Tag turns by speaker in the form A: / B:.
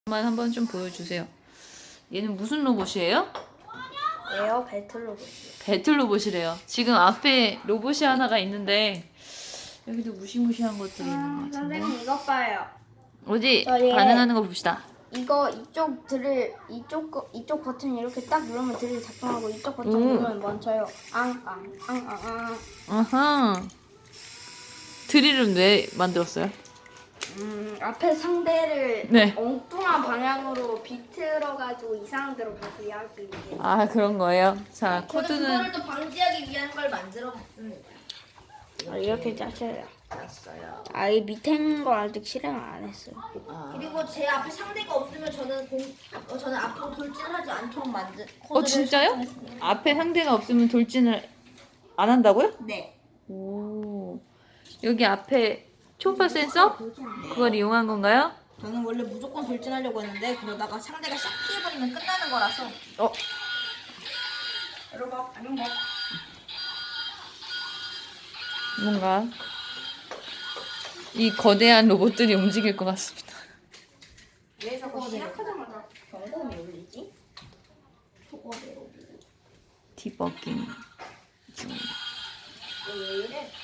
A: 한번 좀 보여주세요. 얘는 무슨 로봇이에요?
B: 에어 배틀 로봇이요.
A: 배틀 로봇이래요. 지금 앞에 로봇이 하나가 있는데 여기도 무시무시한 것들이 있는 것 같은데.
B: 선생님 이것 봐요.
A: 어디
B: 저희
A: 반응하는 거 봅시다.
B: 이거 이쪽 드릴 이쪽 버튼 이렇게 딱 누르면 드릴 작동하고 이쪽 버튼
A: 오.
B: 누르면 멈춰요. 앙앙앙앙앙.
A: 아하. 드릴은 왜 만들었어요?
B: 앞에 상대를
A: 네.
B: 엉뚱한 방향으로 비틀어가지고 이상한 데로 가게 하기 위해.
A: 아 그런 거예요. 자
C: 저는
A: 코드는
C: 그거를 또 방지하기 위한 걸 만들어 봤습니다.
B: 이렇게 짜셔요.
C: 알았어요.
B: 이 밑에 있는 거 아직 실행 안 했어요.
C: 그리고 제 앞에 상대가 없으면 저는 앞으로 돌진하지 않도록 만든 코드를
A: 진짜요?
C: 설정했습니다.
A: 앞에 상대가 없으면 돌진을 안 한다고요?
C: 네.
A: 오. 여기 앞에 초음파 센서? 그걸 이용한 건가요?
C: 저는 원래 무조건 돌진하려고 했는데 그러다가 상대가 샥 피해버리면 끝나는 거라서.
A: 어.
C: 여러분 안녕 뭐.
A: 뭔가 이 거대한 로봇들이 움직일 것 같습니다.
C: 왜 저거 시작하자마자 경고음이 울리지? 초거대로.
A: 디버깅 중.
C: 왜 이래?